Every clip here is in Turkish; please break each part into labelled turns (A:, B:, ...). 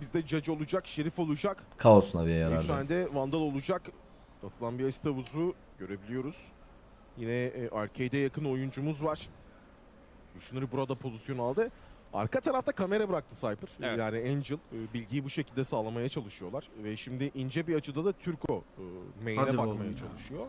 A: Bizde Judge olacak, Şerif olacak.
B: Kaos Navi'ye
A: 3
B: yarardı.
A: tane de Vandal olacak. Atılan bir asit havuzu görebiliyoruz. Yine arcade'e yakın oyuncumuz var. Kushner burada pozisyon aldı. Arka tarafta kamera bıraktı Cypher.
C: Evet.
A: Yani Angel bilgiyi bu şekilde sağlamaya çalışıyorlar. Ve şimdi ince bir açıda da Türko main'e
D: Hadi
A: bakmaya
D: oğlum ya.
A: çalışıyor.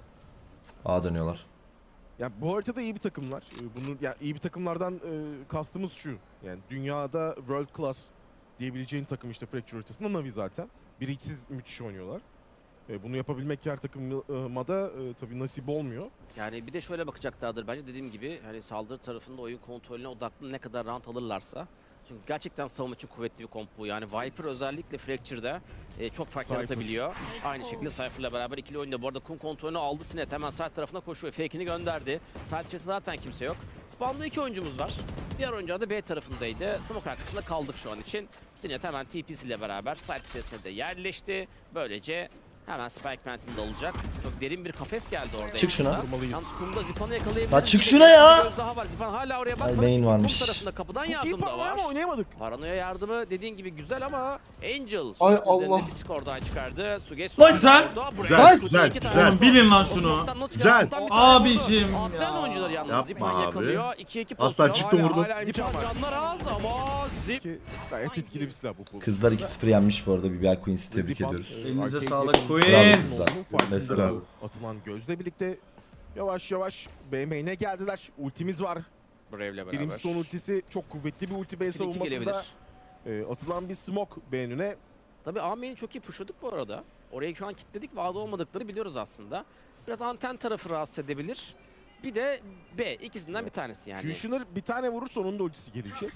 B: A dönüyorlar.
A: Ya bu haritada iyi bir takımlar. Bunu ya iyi bir takımlardan kastımız şu. Yani dünyada world class diyebileceğin takım işte Fracture haritasında Navi zaten. Biriksiz müthiş oynuyorlar. Bunu yapabilmek her takıma da tabii nasip olmuyor.
C: Yani bir de şöyle bakacaklardır bence, dediğim gibi hani saldırı tarafında oyun kontrolüne odaklı ne kadar round alırlarsa. Çünkü gerçekten savunma için kuvvetli bir komp bu. Yani Viper özellikle Fracture'da çok fark
A: Cypher.
C: yaratabiliyor. Aynı şekilde Cypher'la beraber ikili oyunda. Bu arada kum kontrolünü aldı Sinet. Hemen side tarafına koşuyor. Fake'ini gönderdi. Side içerisinde zaten kimse yok. Spawn'da 2 oyuncumuz var. Diğer oyuncular da B tarafındaydı. Smoke arkasında kaldık şu an için. Sinet hemen TP'siyle beraber side içerisinde de yerleşti. Böylece hemen Spike Mountain'da olacak. Çok derin bir kafes geldi orada.
B: Çık şuna.
C: yanında.
A: Vurmalıyız.
C: Yalnız kumda Zipan'ı yakalayabiliriz.
B: Ya çık
C: Bir
B: şuna ya!
C: bir göz daha var. Zipan hala oraya bakmadı.
B: main
C: Çünkü
B: varmış.
C: Kum tarafında kapıdan
A: Çok iyi
C: yardım da
A: paranoya
C: var.
A: ama oynayamadık.
C: Paranoya yardımı dediğin gibi güzel ama Angel
E: Ay
C: sonuç üzerinde
E: Allah.
C: bir skor daha çıkardı. Sugesu
B: Nice
D: lan!
E: Güzel, güzel,
D: güzel. Bilin lan şunu.
E: Güzel.
D: Abicim
C: Atlayan
D: ya.
C: oyuncular yalnız.
E: Yapma
C: Zipan
E: abi.
C: yakalıyor. 2-2
E: Aslan
C: pozisyon.
E: çıktı vurdu.
A: Hala
C: Zipan
A: imkan var.
C: canlar az ama Zip.
A: Ki gayet etkili bir silah bu pozisyon.
B: Kızlar 2-0 yenmiş bu arada. Biber Queens'i tebrik
A: Zipan,
B: ediyoruz.
D: Elinize
A: arcade
D: sağlık
A: yakın-
D: Queens.
A: Bravo kızlar. Farkında
B: Mesela.
A: bu Atılan gözle birlikte yavaş yavaş BM'ine geldiler. Ultimiz var.
C: Brave'le beraber.
A: Brimstone ultisi çok kuvvetli bir ulti B
C: 2-2
A: savunmasında.
C: gelebilir.
A: Atılan bir smoke B önüne.
C: Tabii A main'i çok iyi pushladık bu arada. Orayı şu an kilitledik ve A'da olmadıkları biliyoruz aslında. Biraz anten tarafı rahatsız edebilir. Bir de B, ikisinden bir tanesi yani.
A: Kushner bir tane vurursa onun da ultisi gelecek.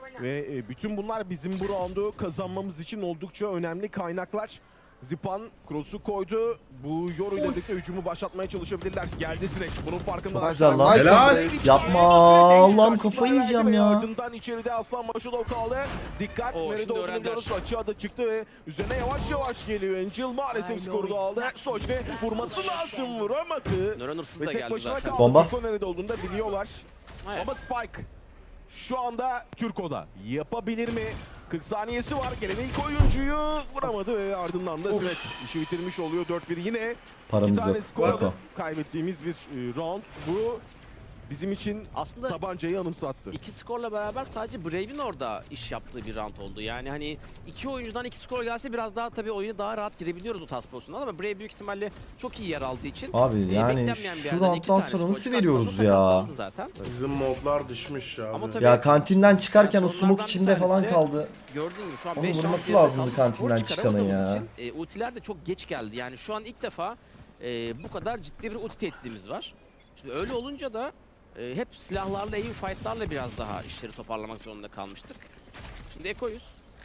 A: Ve bütün bunlar bizim bu roundu kazanmamız için oldukça önemli kaynaklar. Zipan cross'u koydu. Bu Yoru ile birlikte hücumu başlatmaya çalışabilirler. Geldi Sinek. Bunun farkında.
B: Çok güzel lan.
E: Helal.
B: Yapma, Allah'ım kafayı yiyeceğim ya.
A: Ardından içeride Aslan Maşulov kaldı. Dikkat.
C: Oo,
A: Nerede
C: şimdi
A: olduğunu
C: öğrendiler.
A: biliyoruz. Açığa da çıktı ve üzerine yavaş yavaş geliyor. Angel maalesef skoru da aldı. Sojne vurması lazım. Vuramadı.
C: Nöronursuz
A: Ve
C: da
A: tek
C: geldi
A: başına
C: zaten.
A: kaldı.
B: Bomba.
A: Türko nerede olduğunu da biliyorlar.
C: Evet.
A: Ama Spike şu anda Türko'da. Yapabilir mi? 40 saniyesi var. Gelen ilk oyuncuyu vuramadı ve ardından da Sinet işi bitirmiş oluyor. 4-1 yine. İki
B: Paramız
A: tane
B: yok.
A: skor
B: Bako.
A: kaybettiğimiz bir round. Bu bizim için
C: Aslında
A: tabancayı anımsattı.
C: iki skorla beraber sadece Brave'in orada iş yaptığı bir round oldu. Yani hani iki oyuncudan 2 skor gelse biraz daha tabii oyuna daha rahat girebiliyoruz o tarz pozisyondan ama Brave büyük ihtimalle çok iyi yer aldığı için
B: Abi yani
C: beklenmeyen bir
B: şu
C: yerden iki
B: rounddan
C: tane
B: sonra
C: skor
B: nasıl
C: çıkartması
B: veriyoruz
C: takas
B: ya?
C: aldı zaten.
F: Bizim modlar düşmüş ya.
C: Ama
F: abi.
C: tabii
B: Ya kantinden çıkarken o
C: Yani
B: smoke
C: onlardan
B: içinde
C: bir
B: falan
C: tanesi-
B: kaldı.
C: Gördüğün gibi şu an
B: Onun
C: 5
B: vurması lazımdı kantinden çıkanın ya.
C: Ultiler de çok geç geldi. Yani şu an ilk defa bu kadar ciddi bir ulti tehdidimiz var. Şimdi öyle olunca da hep silahlarla, aim fight'larla biraz daha işleri toparlamak zorunda kalmıştık. Şimdi Eko'yuz.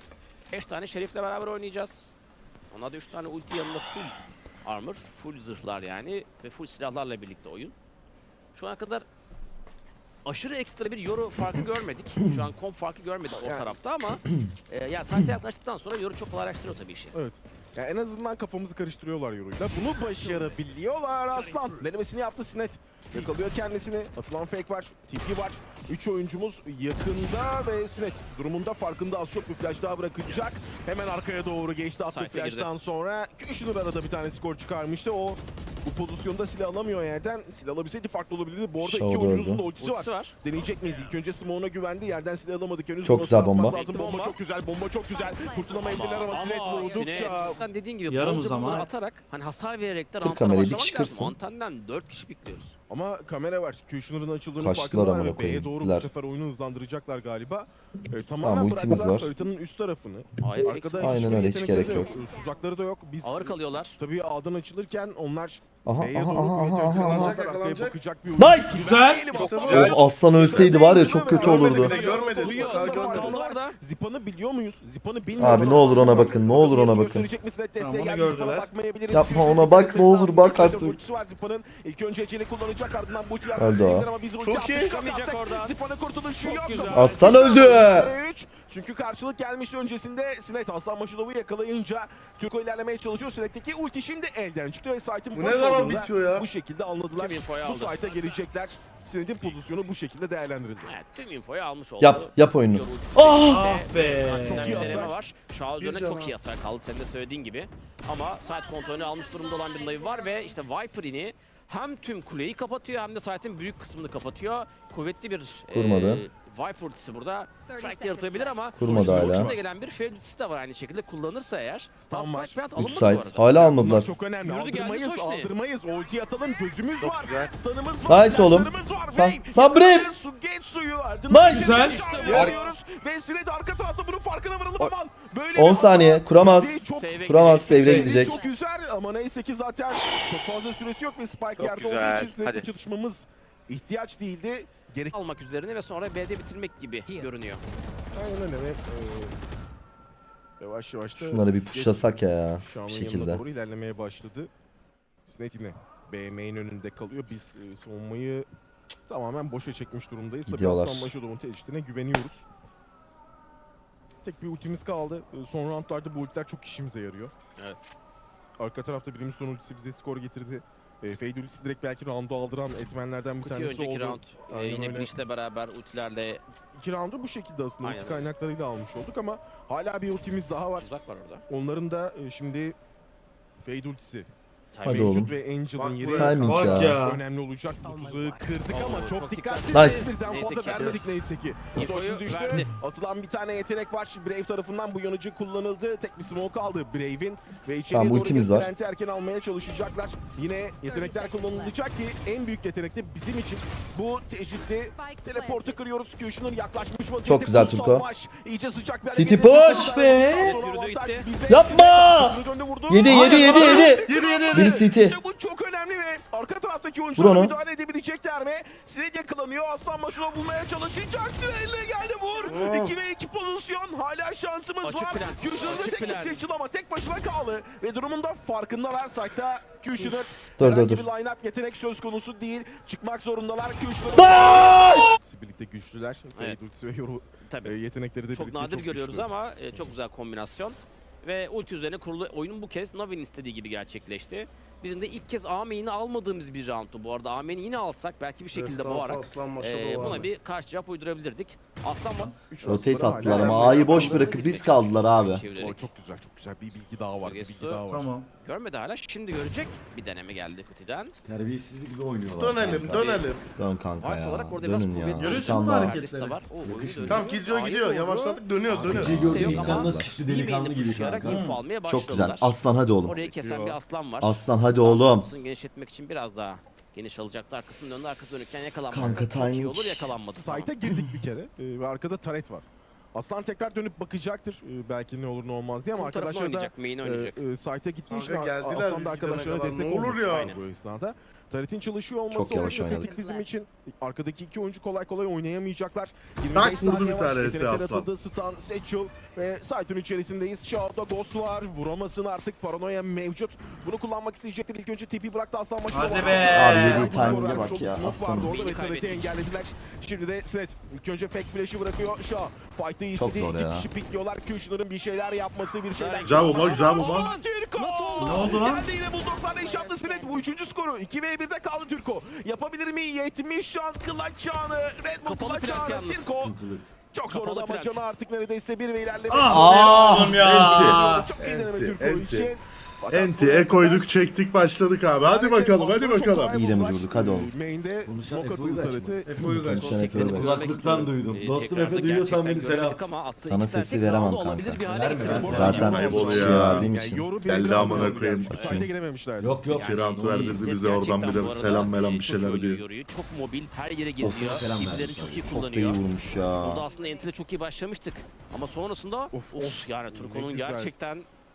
C: 5 tane Şerif'le beraber oynayacağız. Ona da 3 tane ulti yanında full armor, full zırhlar yani ve full silahlarla birlikte oyun. Şu ana kadar aşırı ekstra bir Yoru farkı görmedik. Şu an komp farkı görmedik o
A: Yani-
C: tarafta ama ya saate yaklaştıktan sonra Yoru çok kolaylaştırıyor tabii işi.
A: Evet. Ya en azından kafamızı karıştırıyorlar Yoru'yla. Bunu başarabiliyorlar Aslan. Denemesini yaptı Sinet. Yakalıyor kendisini. Atılan fake var. TP var. 3 oyuncumuz yakında ve Sinet durumunda farkında, az çok bir flash daha bırakacak. Hemen arkaya doğru geçti. Attı
C: Site'e
A: flash'tan sonra. Kushner arada bir tane skor çıkarmıştı. O bu pozisyonda silah alamıyor yerden. Silah alabilseydi farklı olabilirdi. Bu arada
B: Shaw
A: iki oyuncumuzun da
B: gördü.
A: ultisi var.
C: Ultisi var.
A: Deneyecek miyiz? İlk önce Smoke'una güvendi. Yerden silah alamadık henüz.
B: Çok
A: Bunu
B: güzel
A: atmak
B: bomba.
A: Lazım. Bomba çok güzel. Bomba çok güzel. Kurtulamayabilirler ama Sinet vurdukça.
C: Sinet, dediğin gibi
D: Yarım
C: bolca
D: zaman.
C: bunları atarak hani hasar vererek de
B: Kır
C: roundlara
B: kamerayı, bir
C: başlamak
B: kişi
C: lazım.
B: kırsın.
C: Antenden 4 kişi bekliyoruz.
A: Ama kamera var. Kushner'ın açıldığını
B: Kaçtılar
A: farkındalar
B: amına
A: ve B'ye
B: koyayım,
A: doğru
B: gittiler.
A: bu sefer oyunu hızlandıracaklar galiba. Tamamen
B: Tamam, ultimiz
A: bıraktılar
B: var.
A: haritanın üst tarafını.
C: Hayır,
A: Arkada
C: Aynen
A: hiçbir
B: öyle, hiç
A: yetenekleri
B: gerek
A: de
B: yok.
A: Tuzakları da yok. Biz
C: Ağır kalıyorlar.
A: tabii A'dan açılırken onlar
B: Aha
A: B'ye
B: aha
A: doğru
B: aha
A: kuvvet
B: aha aha.
A: yakalanacaklar.
F: Yakalanacak,
A: Arkaya
F: yakalanacak.
A: bakacak bir
B: Nice!
D: Güzel.
B: Of Aslan ölseydi var ya çok kötü
F: Görmedi
B: olurdu.
F: bile, görmedi.
C: Duyuyor.
F: Daha
C: Kaldı
F: görmedi.
C: orada.
A: Zipan'ı biliyor muyuz? Zipan'ı bilmiyoruz.
B: Abi ne olur ona bakın, ne olur ona bakın.
A: Gösterecek misin? Desteğe
D: Tamam, onu
A: geldi. Zipan'a
D: gördüler.
A: bakmayabiliriz.
B: Yapma,
A: Kushner'ın
B: ona bak,
A: gitmesi
B: ne olur
A: lazım.
B: bak
A: Bir
B: artık.
A: ultisi var Zipan'ın. İlk önce acele kullanacak, ardından bu ultiyi
B: Öldü o.
A: ama biz ulti
F: Çok
A: attık,
F: iyi.
A: şok
C: Çıkamayacak
A: attık.
C: oradan.
A: Zipan'ın kurtuluşu yok.
C: güzel.
B: Aslan öldü.
A: 3. Çünkü karşılık gelmişti öncesinde. Sinet Aslan Maşulov'u yakalayınca Türko ilerlemeye çalışıyor. Sinet'teki ulti şimdi elden çıktı ve site'ın
F: Bu
A: boş
F: ne zaman
A: olduğunu da
F: bitiyor ya?
A: bu şekilde anladılar.
C: Kim infoyu
A: Bu
C: aldı?
A: site'a gelecekler. Sinet'in pozisyonu bu şekilde değerlendirildi.
C: Evet, tüm infoyu almış oldu.
B: Yap oyunu.
C: Yoru ultisi
B: Ah!
D: Ah be.
A: Çok iyi
C: bir deneme
A: hasar.
C: var. Shao üzerine çok iyi hasar kaldı senin de söylediğin gibi. Ama site kontrolünü almış durumda olan bir Navi var ve işte Viper'ini hem tüm kuleyi kapatıyor hem de site'in büyük kısmını kapatıyor. Kuvvetli bir
B: Kurmadı.
C: Viper ultisi burada track yaratabilir ama
B: Kurmadı
C: sonuçta
B: hala.
C: da gelen bir Fade ultisi de var aynı şekilde kullanırsa eğer.
A: Stun var.
C: Spike Plant
B: 3
C: alınmadı bu
B: site.
C: arada.
B: Hala
A: Bunlar
B: almadılar.
A: çok önemli.
C: Yürüdü geldi
A: Aldırmayız,
C: Soşni.
A: aldırmayız. Ulti atalım, gözümüz
F: Çok
A: var.
F: güzel.
A: Stun'ımız var,
B: Nice oğlum.
A: flashlarımız var.
B: San-
A: Brave,
B: San Brave.
A: Su, Getsu'yu ardından
B: Nice.
D: Güzel.
A: Vuruyoruz. Ve Sinet arka tarafta bunun farkına varalım aman. Böyle
B: 10
A: bir
B: saniye.
A: hata
B: Kuramaz.
A: bizi çok-
C: Save'e
B: Kuramaz.
C: gidecek.
B: Save'e
A: bizi
B: gidecek.
A: Çok üzer ama neyse ki zaten çok fazla süresi yok ve Spike
E: Çok
A: yerde
E: güzel.
A: olduğu için Sinet'le
E: Hadi.
A: çalışmamız ihtiyaç değildi. Gerek
C: Almak üzerine ve sonra B'de bitirmek gibi görünüyor.
A: Aynen öyle ve yavaş yavaş da
B: Şunları bir pushlasak ya.
A: Şam'ın
B: Bu
A: yanına
B: şekilde.
A: doğru ilerlemeye başladı. Sinet yine BM'in önünde kalıyor. Biz savunmayı tamamen boşa çekmiş durumdayız. Tabii
B: Gidiyorlar.
A: Aslan Başoğlu'nun tehditine güveniyoruz. Tek bir ultimiz kaldı. Son roundlarda bu ultiler çok işimize yarıyor.
C: Evet.
A: Arka tarafta Brimstone ultisi bize skor getirdi. Fade ultisi direkt belki roundu aldıran etmenlerden bir
C: Kuti
A: tanesi
C: önceki
A: oldu.
C: round
A: Aynen
C: yine
A: öyle.
C: Breach'le beraber ultilerle
A: 2 roundu bu şekilde aslında
C: Aynen
A: ulti
C: öyle.
A: kaynaklarıyla almış olduk ama hala bir ultimiz daha var.
C: uzak var orada.
A: Onların da şimdi Fade ultisi
B: Hadi
C: Timing.
B: oğlum.
A: mevcut ve Angel'ın
F: Bak
A: yeri
F: buraya.
B: Timing
D: Bak
B: ya.
D: ya.
A: önemli olacak. Bu tuzağı kırdık
C: Oo,
A: ama çok
C: çok
A: dikkatsiz.
B: dikkatli.
A: Birden
C: Neyse
A: fazla
C: ki.
A: vermedik neyse ki.
C: İnfoyu
A: Soşni düştü.
C: verdi.
A: Atılan bir tane yetenek var. Brave tarafından bu yanıcı kullanıldı. Tek bir smoke kaldı Brave'in ve içeriye
B: Tamam,
A: doğru
B: ultimiz
A: gelip
B: var.
A: Brent'i erken almaya çalışacaklar. Yine yetenekler kullanılacak ki en büyük yetenek de bizim için bu tecritli teleportu kırıyoruz. Q'şunun yaklaşmış vaziyette.
B: Çok güzel
A: Bu
B: Turko.
A: savaş iyice sıcak bir
B: City
A: hareket.
B: push be!
A: Sonra
C: Yürüdü
A: avantaj
C: gitti.
A: bizde.
B: Yapma!
A: Döndü vurdu.
B: 7 7 7 7. Biri City.
A: İşte bu çok önemli ve arka taraftaki oyuncular
B: onu.
A: müdahale edebilecekler mi? Sinet yakalanıyor. Aslan başına bulmaya çalışacak. Sinetle geldi vur. 2 ve 2 pozisyon. Hala şansımız
C: Açık
A: var.
C: plan.
A: Kushner'ın
C: Açık
A: tek bir
C: plan.
A: seçil ama tek başına kaldı. Ve durumun da farkındalar. Site'da Kushner.
B: Dur,
A: Herhangi
B: dur.
A: bir line-up yetenek söz konusu değil. Çıkmak zorundalar. Kushner'ın.
B: Nice!
A: Birlikte güçlüler.
C: Evet.
A: Ultisi ve yoru
C: Tabii.
A: yetenekleri de
C: Çok
A: birlikte
C: nadir görüyoruz
A: güçlü.
C: ama çok güzel kombinasyon. Ve ulti üzerine kurulu oyunun bu kez Navi'nin istediği gibi gerçekleşti. Bizim de ilk kez A main'i almadığımız bir roundtu bu arada. A main'i yine alsak belki bir şekilde
F: Destansı
C: boğarak
F: Aslan Başoğlu var
C: buna
F: mı?
C: bir karşı cevap uydurabilirdik. Aslan
A: Üç
B: Rotate
A: roundları
B: attılar
A: hala-
B: ama A'yı boş bırakıp biz kaldılar abi.
A: O çok güzel, çok güzel. Bir bilgi daha var, bir bilgi
C: Gesto.
A: daha var.
D: Tamam.
C: Görmedi hala. Şimdi görecek. Bir deneme geldi Kuti'den.
G: Terbiyesizlik gibi oynuyorlar.
F: Dönelim
G: kanka.
F: dönelim.
B: Dön kanka
C: Fark
B: ya.
C: olarak orada biraz
B: Dönün ya.
C: kuvvetli.
D: Görüyorsun mu
B: Bir tane daha.
D: hareketi?
C: Liste var. O oyun
G: Yakışmıyor.
C: dönüyor.
F: Tamam Killjoy
C: A'yı
F: gidiyor.
C: doğru.
F: Yavaşladık dönüyor dönüyor.
G: Killjoy
C: Kimse
G: gördüğü
C: yok
G: ilkten
C: ama
G: nasıl çıktı
C: iyi
G: delikanlı
C: main'de
G: gibi
C: pushlayarak
G: kanka.
C: info almaya başladılar.
B: Çok güzel. Aslan hadi oğlum.
C: Orayı kesen bir aslan var.
B: Aslan hadi oğlum.
C: Arkasını genişletmek için biraz daha geniş alacaktı. Arkasının önünde arkası dönükken yakalanmaz.
B: Kanka,
C: Çok iyi
B: timing.
C: olur yakalanmadı.
A: Site'a girdik bir kere ve arkada taret var. Aslan tekrar dönüp bakacaktır belki ne olur ne olmaz diye ama
C: Bu tarafını
A: arkadaşlar da
C: oynayacak, main'i oynayacak.
A: site'a gittiği için
F: Kanka geldiler,
A: Aslan
F: biz
A: da
F: gidene
A: arkadaşlara
F: kadar
A: destek
F: ne olur
A: olmak
F: ya?
A: istiyor bu esnada. Taret'in çalışıyor olması
B: Çok yavaş
A: oldukça
B: oynadık.
A: kritik bizim için. Arkadaki iki oyuncu kolay kolay oynayamayacaklar. 25
F: Tak, vurdu
A: saniye
F: bir
A: var.
F: tanesi
A: Yetenekler
F: Aslan.
A: atıldı. Stun, Satchel ve site'ın içerisindeyiz. Shaw'da Ghost var. Vuramasın artık. Paranoya mevcut. Bunu kullanmak isteyecektir. İlk önce TP bıraktı Aslan başına.
D: Hadi
A: var.
D: be!
B: Abi yediği
A: Skor
B: timing'e
A: vermiş
B: bak
A: oldu.
B: ya,
A: Smoke
B: Aslan.
A: vardı orada ve
C: Main'i
A: Taret'i
C: kaybettik.
A: engellediler. Şimdi de Sinet ilk önce fake flash'ı bırakıyor. Shaw fight'ı
B: Çok
A: istedi.
B: zor
A: İki
B: ya.
A: kişi pikliyorlar. Kushner'ın bir şeyler yapması, bir şeyler
F: Güzel bomba,
A: yapması.
F: güzel bomba.
A: Aa, Türko!
D: Ne oldu lan?
A: Geldi yine Bulldog'larla iş yaptı Sinet. Bu üçüncü skoru. 2v1'de kaldı Türko. Yapabilir mi? 70 can clutch çağını. Red Bull
C: Kapalı
A: clutch
C: plant
A: çağını.
C: yalnız.
A: Türko
G: Sıkıntılık.
A: çok zor
C: Kapalı
A: oldu ama
C: plant.
A: canı artık neredeyse bir ve ilerleme.
B: Ah!
D: Oğlum ya.
A: Çok iyi deneme
F: Enti,
A: Türko
F: enti.
A: için. Fakat
F: Enti'ye
A: buraya
F: koyduk
A: kadar
F: çektik başladık abi. Hadi
A: maalesef
F: bakalım hadi
A: aslında çok
F: bakalım.
A: kolay
B: İyi de mi
A: buldular.
B: vurduk? Hadi oğlum.
A: Main'de
G: Konuşan
A: smoke
G: Efe'yi
A: atıldı
G: kaçma.
A: Taret'e.
D: Efe Uygaç.
B: Konuşan Efe Uygaç.
G: Kulaklıktan duydum. Dostum Efe duyuyorsan beni selam.
B: Sana sesi veremem kanka.
G: Verme, verme.
B: Zaten
F: Ayıp
B: bir
F: oluyor
B: şey
F: ya.
B: verdiğim
A: Yani
B: için.
A: yoru
F: Geldi
A: bir
F: amına
A: round
F: koyayım.
A: geldi. Site'e girememişlerdi.
G: Yok yok.
F: Bir round verdirdi
C: Set
F: bize oradan
C: gerçekten
F: bir
C: bu
F: de
C: arada,
F: selam melam bir
C: çok
F: şeyler
C: iyi
F: diyor.
C: yoruyor. Çok mobil, her yere geziyor.
G: selam
C: Tiplerini
G: vermiş
C: çok iyi
G: oluyor.
B: Çok da iyi
C: kullanıyor.
B: vurmuş ya.
C: Burada aslında Enti'de çok iyi başlamıştık. Ama sonrasında of yani Turko'nun
A: güzel.
C: gerçekten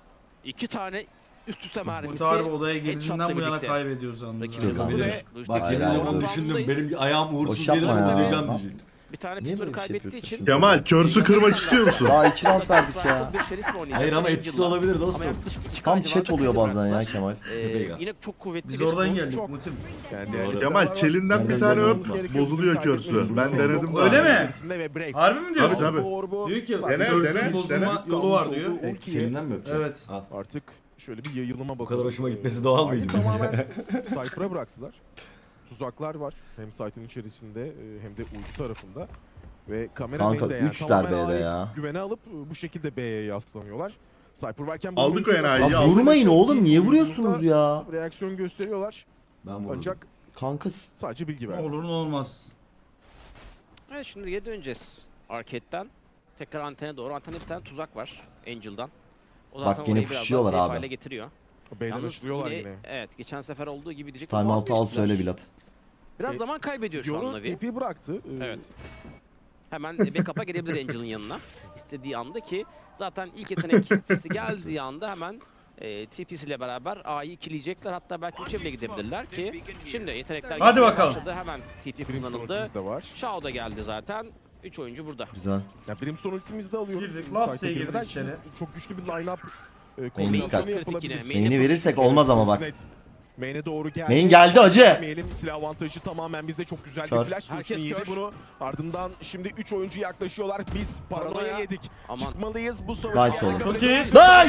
C: iki tane üst üste
D: Bu
C: mermisi.
D: tarih odaya
C: headshot'la
D: girdiğinden bu yana
C: birlikte.
D: kaybediyoruz yalnız.
C: Rakibi
B: Yok abi.
C: vurdu ve
G: Bak
C: Rüştü
B: Hayır,
G: yemin
B: hayır,
G: ederim
B: hayır.
G: düşündüm. Benim ayağım uğursuz
B: Boş yapma
G: gelirse
B: ya.
G: üzüleceğim diyeceğim.
C: bir tane
B: Niye
C: pistolü
B: böyle bir şey
C: kaybettiği
B: yapıyorsun?
C: için
F: Kemal körsü kırmak istiyor musun?
B: Daha 2 round verdik ya.
C: Bir şerifle oynayacak.
G: Hayır ama
C: Bir
G: etkisi
C: Angel'la.
G: olabilir
C: Ama
G: dostum.
C: yaklaşık iki
B: Tam
C: civarında
B: chat oluyor
C: kredi
B: bazen ya
C: bıraktılar.
B: Kemal.
C: Yine çok kuvvetli
D: Biz
C: bir
D: oradan
C: skor.
D: geldik
A: Çok-
D: Mutim.
A: Yani
G: Doğru.
A: değerli
F: Kemal
A: silahlar var.
F: kelinden bir tane öp bozuluyor körsü. Ben denedim
D: Öyle
F: daha.
D: mi?
A: İçerisinde ve break.
D: Harbi mi diyorsun?
F: Tabii.
D: Diyor ki
F: Dene,
D: göğsünün
F: dene,
D: bozulma
F: dene.
D: yolu var diyor.
A: Ultiye
G: Kelimden mi öpeceğim?
D: Evet.
G: Al.
A: artık şöyle bir yayılıma bakalım.
G: kadar hoşuma gitmesi doğal
A: Ayı
G: mıydı?
A: tamamen Cypher'a bıraktılar. tuzaklar var. Hem site'ın içerisinde hem de uydu tarafında. Ve kamera
B: Kanka
A: main'de yani
B: 3'ler
A: tamamen
B: B'de
A: A'yı
B: ya.
A: güvene alıp bu şekilde B'ye yaslanıyorlar. Cypher varken
F: Aldık o enayiyi,
B: Ya
F: aldık.
B: vurmayın oğlum, niye vuruyorsunuz ya?
A: reaksiyon gösteriyorlar.
G: Ben vurdum.
A: Ancak
B: Kanka
A: sadece bilgi
D: Ne
A: verdi.
D: olur ne olmaz.
C: Evet, şimdi geri döneceğiz arcade'den. Tekrar antene doğru. Antene bir tane tuzak var Angel'dan. O
B: Bak
C: zaten
B: yine
C: orayı biraz daha
B: pushuyorlar
C: safe
B: abi.
C: hale getiriyor.
A: B'den
C: Yalnız
A: açılıyorlar yine.
C: Evet, geçen sefer olduğu gibi diyecektim.
B: timeout'u al
C: vazgeçtiler.
B: söyle Bilat.
C: Biraz zaman kaybediyor şu an
A: Yoru
C: Navi.
A: TP bıraktı.
C: Evet. Hemen backup'a gelebilir Angel'ın yanına. İstediği anda ki zaten ilk yetenek sesi geldiği anda hemen TP'siyle beraber A'yı ikileyecekler. Hatta belki 3'e bile gidebilirler ki şimdi yetenekler
D: Hadi
C: gelmeye
D: bakalım.
C: başladı. Hemen TP
A: Brimstone
C: kullanıldı.
A: ultimiz de var.
C: Shao da geldi zaten. 3 oyuncu burada.
B: Güzel.
A: Ya Brimstone ultimizi de alıyoruz.
D: Girdik,
A: Site'e
D: Laps'e girdik
A: girmeden
D: içeri.
A: Çok güçlü bir line-up
B: dikkat.
A: kombinasyonu
C: Kritik
A: yapılabilir.
C: yine.
B: Main'i verirsek olmaz ama bak.
A: Sinet. Main'e doğru geldi.
B: Main geldi acı.
A: Main'in silah avantajı tamamen bizde, çok güzel
B: Kör.
A: bir flash.
C: Herkes
A: Herkes yedi
C: kör.
A: bunu. Ardından şimdi 3 oyuncu yaklaşıyorlar. Biz paranoya
C: Paranoya.
A: yedik.
C: Aman.
A: Çıkmalıyız bu savaşı.
B: Nice oğlum.
D: Çok iyi.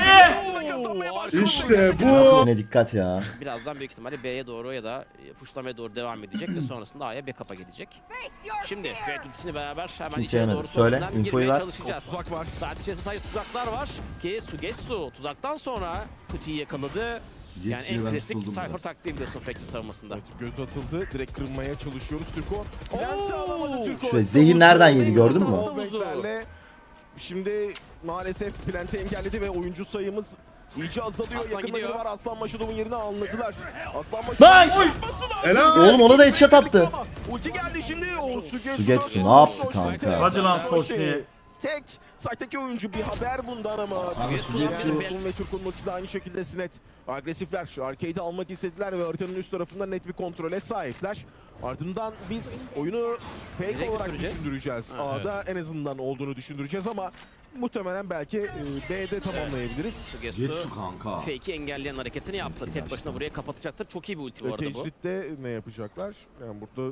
B: Nice!
F: İşte bu.
B: Yine dikkat ya.
C: Birazdan büyük ihtimalle B'ye doğru ya da pushlamaya doğru devam edecek ve sonrasında A'ya backup'a gidecek. Şimdi Fred ultisini beraber hemen
B: Kimse
C: içeri
B: yemedi.
C: doğru
B: Söyle,
C: sonrasından
B: infoyu
C: girmeye
B: ver.
C: çalışacağız.
A: Tuzak var.
C: Saat içerisinde sadece tuzaklar var ki Sugetsu tuzaktan sonra Kuti'yi yakaladı. Yani
G: Jetsu'yu
C: en
G: ben
C: klasik
G: tutuldum
C: Cypher
G: biraz.
C: taktiği biliyorsun Fracture savunmasında.
A: Evet, göz atıldı. Direkt kırmaya çalışıyoruz Türko. Lens'i alamadı Türko.
B: Şöyle zehir nereden yedi gördün mü?
A: Wallback'lerle Şimdi maalesef Plant'i engelledi ve oyuncu sayımız iyice azalıyor.
C: Aslan
A: Yakında
C: gidiyor.
A: biri var. Aslan Maşadov'un yerini anladılar. Aslan
B: Nice!
A: Maşadov.
F: Helal.
B: Oğlum ona da headshot attı.
A: Ulti geldi şimdi. O
B: Sugetsu ne yaptı kanka?
D: Hadi lan Soşni.
A: Tek site'deki oyuncu, bir haber bundan ama.
C: Sugetsu-
A: Turkun ve Turkun ultisi de aynı şekilde Sinet. Agresifler. Arcade'i almak istediler ve haritanın üst tarafında net bir kontrole sahipler. Ardından biz oyunu fake
C: Direkt
A: olarak
C: götüreceğiz.
A: düşündüreceğiz.
C: Ha,
A: A'da en azından olduğunu düşündüreceğiz ama muhtemelen belki B'de tamamlayabiliriz.
C: Sugetsu
G: Jetsu kanka.
C: fake'i engelleyen hareketini yaptı. Tek başına buraya kapatacaktır. Çok iyi bir ulti bu arada bu.
A: Tecritte ne yapacaklar? Yani burada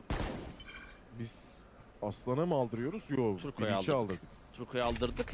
A: biz Aslan'a mı aldırıyoruz? Yok.
C: Turko'ya
A: Bilinç'e
C: aldırdık.
A: aldırdık.
C: Turko'yu aldırdık.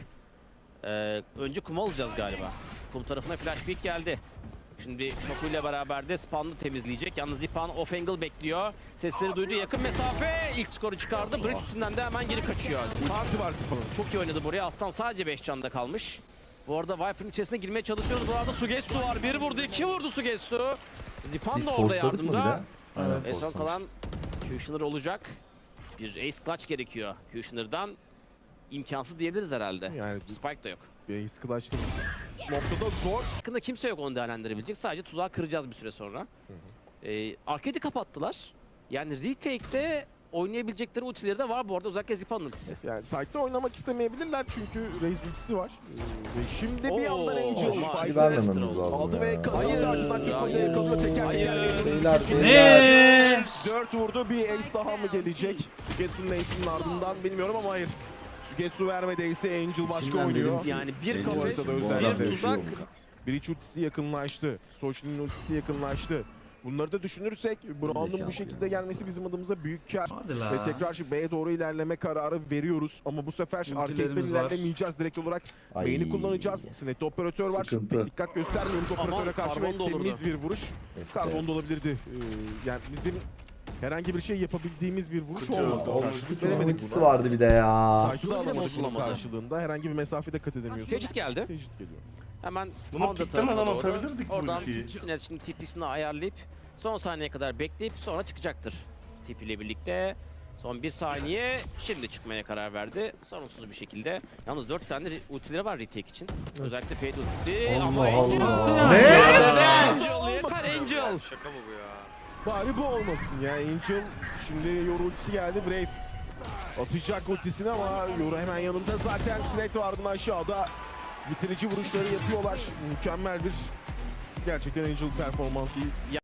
C: Önce kum alacağız galiba. Kum tarafına flash peek geldi. Şimdi Shoku ile beraber de spawn'ı temizleyecek. Yalnız Zipan off angle bekliyor. Sesleri duydu, yakın mesafe. İlk skoru çıkardı. Bridge üstünden de hemen geri kaçıyor. Zipan
A: Ultisi var Zipan'ın.
C: çok iyi oynadı buraya. Aslan sadece 5 canda kalmış. Bu arada Viper'ın içerisine girmeye çalışıyoruz. Bu arada Sugetsu var. 1 vurdu, 2 vurdu Sugetsu. Zipan
B: Biz
C: da orada
B: forsladık mı bir de?
C: yardımda.
B: Aynen,
C: Ve son
B: forslamışız.
C: kalan Kushner olacak. Bir ace clutch gerekiyor Kushner'dan. İmkansız diyebiliriz herhalde.
A: Yani
C: Spike da yok.
A: Base clutch'ta noktada zor.
C: Yakında kimse yok onu değerlendirebilecek. Sadece tuzağı kıracağız bir süre sonra. Arcade'i kapattılar. Yani retake'de oynayabilecekleri ultileri de var bu arada, özellikle Zipan'ın ultisi.
A: Yani site'de oynamak istemeyebilirler çünkü Raze ultisi var. Ve şimdi bir
C: Oo,
A: yandan Angel
C: ama
A: fight'ı
B: vermememiz lazım
A: aldı
B: ya.
A: ve kazandı.
C: Hayır.
A: Ardından Türko'yu da yakalıyor. Teker
C: Hayır.
A: teker
B: Beyler,
D: Ne?
A: 4 vurdu. Bir ace daha mı gelecek? Sugetsu'nun ace'inin ardından bilmiyorum ama hayır. Sugetsu vermedi ace'i. Angel başka
G: İçinden
A: oynuyor.
G: dedim ki-
C: Yani bir
G: Belli
C: kafes,
A: haritada
G: Bu
A: özel
G: adam
C: bir
A: bir
C: tuzak.
G: yaşıyor mu?
A: Breach ultisi yakınlaştı. Social'in ultisi yakınlaştı. Bunları da düşünürsek Brown'un bu
G: Zekalı
A: şekilde gelmesi bizim adımıza büyük kar.
D: Hadi la.
A: Ve tekrar şu B'ye doğru ilerleme kararı veriyoruz. Ama bu sefer arcade'den
D: Ultilerimiz var.
A: ilerlemeyeceğiz. Direkt olarak
B: Ay.
A: main'i kullanacağız. Snet'te operatör var.
B: Sıkıntı.
A: Pek dikkat göstermiyoruz operatöre
C: Aman,
A: karşı ve
C: karbon da olurdu.
A: temiz bir vuruş.
B: Neyse.
A: Karbon da olabilirdi. Yani bizim herhangi bir şey yapabildiğimiz bir vuruş olmadı.
B: Of,
A: Veremedik
B: ultisi
A: buna.
B: vardı bir de ya.
A: Saygı da
C: Bile
A: alamadık bunun
C: bozulamadı.
A: karşılığında. Herhangi bir mesafede kat edemiyorsun.
C: Tecrit geldi.
A: Tecrit geliyor.
C: Hemen
F: Bunu
C: Honda
F: piklemeden
C: tarafına doğru.
F: atabilirdik bu
C: Oradan
F: ultiyi.
C: Sinet şimdi TP'sini ayarlayıp son saniyeye kadar bekleyip sonra çıkacaktır. TP ile birlikte. Son 1 saniye. Şimdi çıkmaya karar verdi. Sorunsuz bir şekilde. Yalnız 4 tane ultileri var retake için. Özellikle Fade ultisi. Ama
B: Allah
C: Angel.
B: Allah.
F: Ne?
C: Angel yakar Angel.
A: Bari bu olmasın ya. Angel şimdi Yoru ultisi geldi. Brave atacak ultisini ama Yoru hemen yanında. Zaten Sinet vardı aşağıda. Bitirici vuruşları yapıyorlar. Mükemmel bir gerçekten Angel performansı.